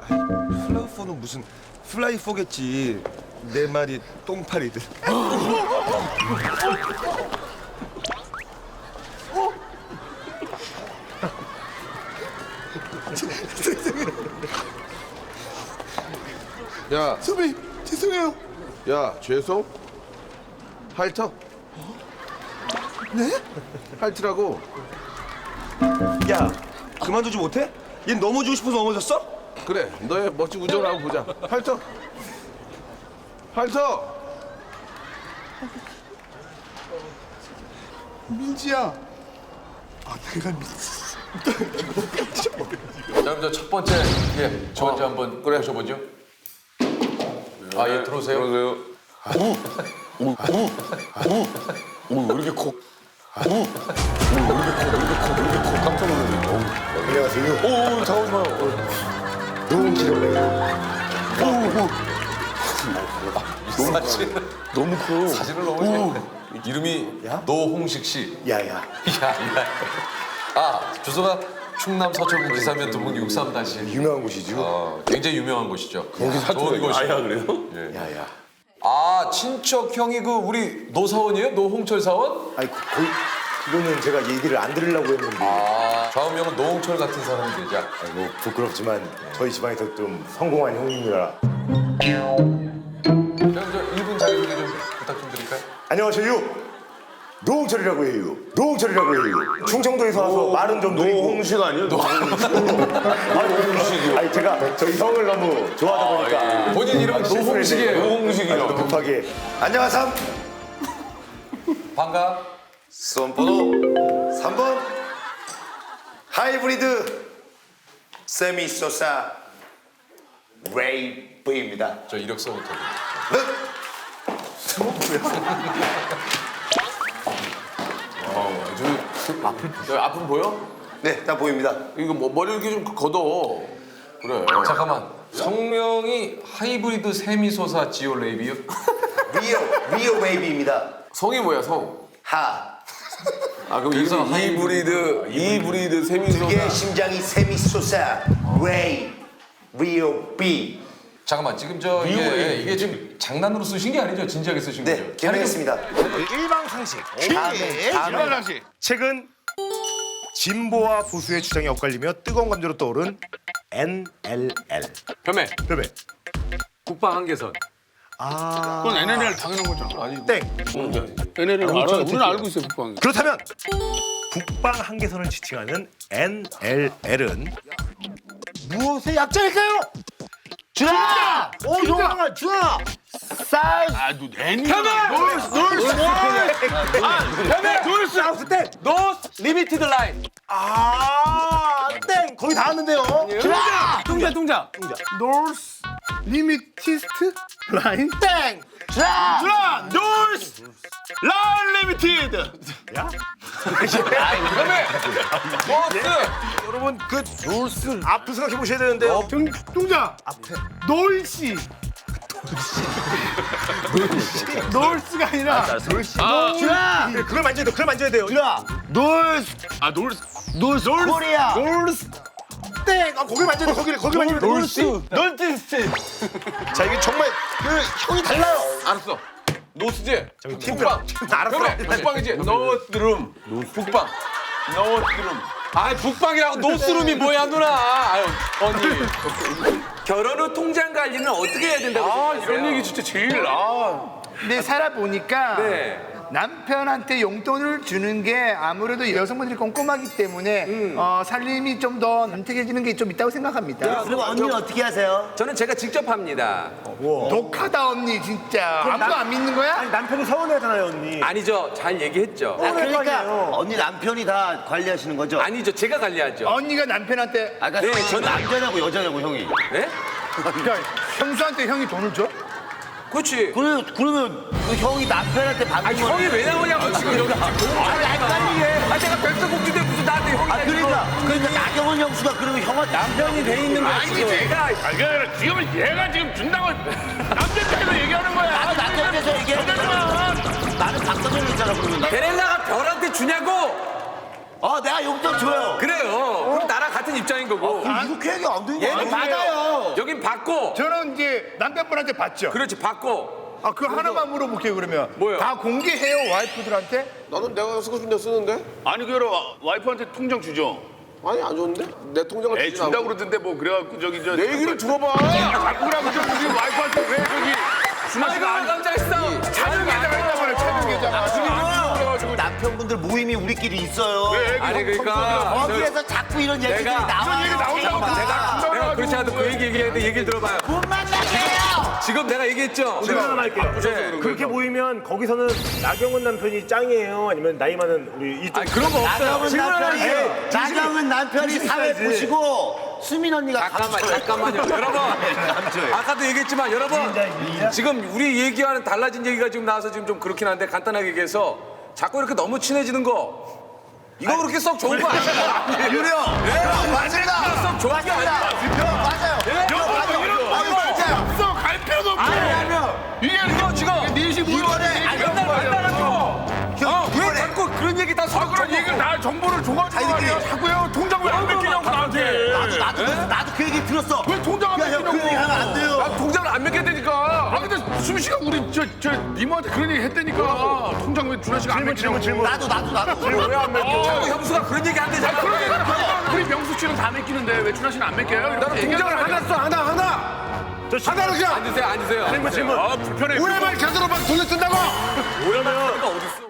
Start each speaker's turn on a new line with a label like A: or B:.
A: 플라우포는 무슨 플라이포겠지. 내 말이 똥파리들.
B: 야,
A: 선배님 죄송해요.
B: 야, 죄송? 할터?
A: 네?
B: 할트라고.
A: 야 그만두지 못해? 얘 넘어지고 싶어서 넘어졌어?
B: 그래, 너의 멋진 우정을 한번 보자. 할터? 할터!
A: 민지야. 아 내가 민지.
C: 자, 그럼 저 첫 번째 저 먼저 한번 모셔보죠. 아, 예, 들어오세요.
B: 들어오세요.
A: 안녕하세요.
B: 오, 잠깐만 마요.
A: 노홍철이라고
C: 사진,
B: 너무 커요.
C: 사진을 너무 재밌네. 이름이 노홍식 씨.
A: 야야.
C: 아, 주소가 충남 서초구 기사면 두분 63-1.
A: 유명한 곳이죠.
C: 굉장히 유명한 곳이죠.
B: 거기
C: 좋은
B: 사투리가
C: 곳이요.
B: 아야 그래요?
A: 야야.
C: 아, 친척 형이 그 우리 노사원이에요? 노홍철 사원?
A: 아니 거의 그거는 제가 얘기를 안 들으려고 했는데.
C: 아, 좌우명은 노홍철 같은 사람이 되자.
A: 아니, 뭐 부끄럽지만 저희 집안에서 좀 성공한 형님이라.
C: 그럼 저 1분 자기소개 좀 부탁 좀 드릴까요?
A: 안녕하세요. 노홍철이라고 해요. 노홍철이라고 해요. 충청도에서 와서 말은 좀 느리고.
B: 노홍식 아니에요?
A: 노홍식이요. 아니 제가 저희 형을 너무 좋아하다 보니까.
C: 본인 이름은 노홍식이에요.
B: 노홍식이요.
A: 아니, 급하게. 안녕하삼.
C: 반가.
A: 수험번호 3번 하이브리드 세미소사 레이브입니다.
C: 저 이력서부터.
B: 저 아픔 보여?
A: 네, 다 보입니다.
B: 이거 뭐 머리 이렇게 좀 걷어. 그래.
C: 잠깐만. 성명이 하이브리드 세미소사 지오 레이비요?
A: 리오 웨이브입니다.
B: 성이 뭐야, 성?
A: 하.
B: 아, 그럼
C: 그래서
B: 이브리드
A: 그게
B: 세미소사.
A: 심장이 세미소사 레이 리오 비.
C: 잠깐만, 지금 저 이게 지금 장난으로 쓰신 게 아니죠? 진지하게 쓰신 거죠?
A: 네, 개명했습니다.
D: 일방상식.
A: 다음에 최근 진보와 보수의 주장이 엇갈리며 뜨거운 감정으로 떠오른 NLL.
E: 혐의,
A: 그러면
E: 국방 한계선.
D: 그건 NLL 당연한 거잖아.
B: 아니,
A: 땡.
D: NLL 알아. 우리는 알고 있어요, 국방.
A: 그렇다면 북방 한계선을 지칭하는 NLL은 무엇의 약자일까요? 준아! 오, 용왕아, 준아! 쌀!
D: 아, 너 N이야.
A: 노스 하우스 땡!
E: 노스 리미티드 라인.
A: 아, 땡! 거의 다 왔는데요.
E: 뚱자.
D: 노스 리미티스트 라인.
A: 땡!
D: 준아, 노스 라인 리미티드.
A: 여러분, 그 노스 앞을 생각해 보셔야 되는데요.
D: 뚱자. 놀씨. 놀스가 아니라
A: 준아! 그걸 만져야 돼요. 그걸 만져야 돼요. 준아!
D: 놀스. 아, 놀스. 놀스.
A: 코리아!
D: 놀스.
A: 땡! 아, 거길 만져야 돼. 거길 만져야 돼.
D: 놀스.
A: 자, 이게 정말 그 형이 달라요.
E: 알았어. 노스지.
A: 저기 팀장. 알았어.
E: 혐의. 북방이지. 노스룸. 북방. 노스룸. 아, 북방이라고 노스룸이 뭐야, 누나. 아유, 언니.
F: 결혼 후 통장 관리는 어떻게 해야 된다고
E: 아,
F: 생각하세요?
E: 이런 얘기 진짜 제일
G: 근데 살아보니까
F: 네.
G: 남편한테 용돈을 주는 게 아무래도 여성분들이 꼼꼼하기 때문에 살림이 좀 더 윤택해지는 게 좀 있다고 생각합니다.
H: 그리고 언니는 어떻게 하세요?
F: 저는 제가 직접 합니다.
G: 독하다 언니 진짜. 아무도 안 믿는 거야?
H: 남편이 서운하잖아요, 언니.
F: 아니죠. 잘 얘기했죠.
H: 그러니까 언니 남편이 다 관리하시는 거죠?
F: 아니죠. 제가 관리하죠.
G: 언니가 남편한테
H: 아까
F: 네, 저는
H: 남자냐고 여자냐고 형이.
F: 네?
G: 그러니까 형수한테 형이 돈을 줘?
F: 그렇지.
H: 그러면 그 형이 남편한테
F: 아,
H: 받는
F: 형이 왜 나오냐고 지금 여기. 아, 내가 백설공주인데 무슨 나한테 형이
H: 그러니까 나경원 형수가 그러면 형한테
F: 남편이 돼 있는 거야 지금. 내가
D: 아, 지금 얘가 지금 준다고 남편한테 얘기하는 거야.
H: 나는 남편에서 얘기했잖아. 나는 박성현이잖아 그러면.
F: 베렐라가 별한테 주냐고.
H: 내가 용돈 줘요.
E: 그래요. 그럼 나랑 같은 입장인 거고.
H: 이렇게 얘기 안 되는
E: 얘는
H: 받아요.
E: 여긴 받고.
G: 저는 이제 남편분한테 받죠.
E: 그렇지, 받고.
G: 그 하나만 물어볼게요 그러면.
E: 뭐요?
G: 다 공개해요 와이프들한테?
B: 나는 내가 쓰고 싶은 데 쓰는데?
D: 아니 그 와이프한테 통장 주죠.
B: 아니 안 줬는데? 내 통장을
D: 에이
B: 주진
D: 준다
B: 않고.
D: 그러던데 뭐 그래갖고 저기 저.
B: 내 얘기를 들어봐.
D: 자꾸 그러고 저 우리 와이프한테 왜 저기 준하 씨가
E: 아이고, 깜짝 있어.
G: 차별 계좌가 있단 말이에요. 차별 계좌가.
H: 남편분들 모임이 우리끼리 있어요.
E: 아니, 그러니까.
H: 거기에서 자꾸 이런 얘기들이
E: 내가-
H: 나와요.
D: 얘기 나온다고
E: 내가 그렇지 않아도 그 얘기했는데 얘기를 들어봐요.
H: 못 만나게요.
E: 지금 내가 얘기했죠?
I: 할게요. 그렇게 모이면 거기서는 나경원 남편이 짱이에요? 아니면 나이 많은 우리 이쪽?
E: 아니, 그런 거 없어요.
H: 나경은 남편이 사회 보시고 수민 언니가
E: 잠깐만요. 여러분. 아까도 얘기했지만 여러분. 지금 우리 얘기와는 달라진 얘기가 지금 나와서 지금 좀 그렇긴 한데 간단하게 얘기해서 자꾸 이렇게 너무 친해지는 거 이거 그렇게 썩 좋은 거 아니에요?
H: 유려. 맞습니다.
E: 썩 좋은 게 아니야.
D: 없어 갈 필요도 없고. 이게
E: 이거 지금 맨날 만나가지고 왜 자꾸 그런 얘기 다 서로
D: 그런 얘기를 나 정보를 줘가지고 말이야. 자꾸요 통장 왜 안 맡기냐고 나한테.
H: 나도 그 얘기 들었어.
D: 왜 통장 안
H: 야, 형, 그 얘기 하면 안 돼요.
D: 나 통장을 안 맡게 되니까. 근데 수미 씨가 우리 저 이모한테 그런 얘기 했다니까. 통장 왜 준하 씨가 안 맡기냐고.
H: 나도.
D: 왜안 맡겨?
E: 자꾸 형수가 그런 얘기 안 되잖아.
D: 그런 얘기는 하지만 우리 명수 씨는 다 맡기는데 왜 준하 씨는 안 맡겨요? 나는 통장을 하나 써 하나. 하나를 그냥.
E: 앉으세요.
D: 불편해.
A: 우리말 제대로 막 돌려 쓴다고.
I: 그러면
E: 어딨어?